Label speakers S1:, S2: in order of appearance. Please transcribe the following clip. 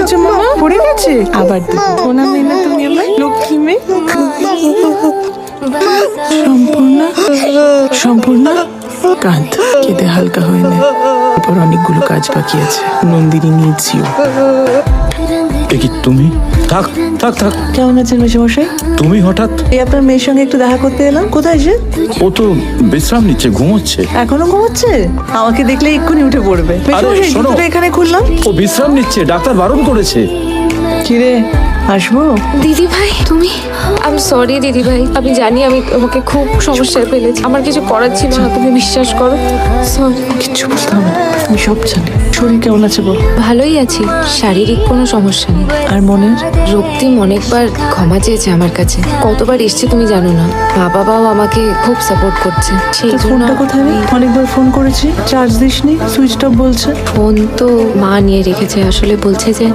S1: হয়েছে মামা? পড়ে গেছে আবার? সোনা মেয়ে না তুমি আমার লক্ষ্মী মেয়ে। সম্পূর্ণা, সম্পূর্ণা কাঁদ, কেঁদে হালকা হয়ে নে। এরপর অনেকগুলো কাজ বাকি আছে। Nandini needs you.
S2: এ কি তুমি? থাক থাক থাক।
S1: কেমন আছেন মেশামশাই?
S2: তুমি হঠাৎ?
S1: এই আপনার মেয়ের সঙ্গে একটু দেখা করতে এলাম। কোথায় সে?
S2: ও তো বিশ্রাম নিচ্ছে, ঘুমোচ্ছে।
S1: এখনো ঘুমোচ্ছে? আমাকে দেখলে এক্ষুনি উঠে পড়বে। মেশামশাই
S2: শোনো।
S1: জুতোটা এখানে খুললাম।
S2: ও বিশ্রাম নিচ্ছে, ডাক্তার বারণ করেছে।
S1: কিরে, আসবো?
S3: দিদি ভাই তুমি? আমি সরি দিদি ভাই, আমি জানি আমি তোমাকে খুব সমস্যায় ফেলেছি। আমার কিছু করার ছিল না, তুমি বিশ্বাস করো। সরি।
S1: কিচ্ছু বুঝতে হবে না, আমি সব জানি। শরীর কেমন আছে বল?
S3: ভালোই আছি, শারীরিক কোনো সমস্যা নেই।
S1: আর মনের?
S3: রক্তিম অনেকবার ক্ষমা চেয়েছে আমার কাছে, কতবার এসছে তুমি জানো না। মা বাবাও আমাকে খুব সাপোর্ট করছে। সেই
S1: তোর
S3: জন্য
S1: ফোনটা কোথায় রে? অনেকবার ফোন করেছি, চার্জ দিসনি, সুইচ অফ বলছে।
S3: ফোন তো মা নিয়ে রেখেছে, আসলে বলছে যে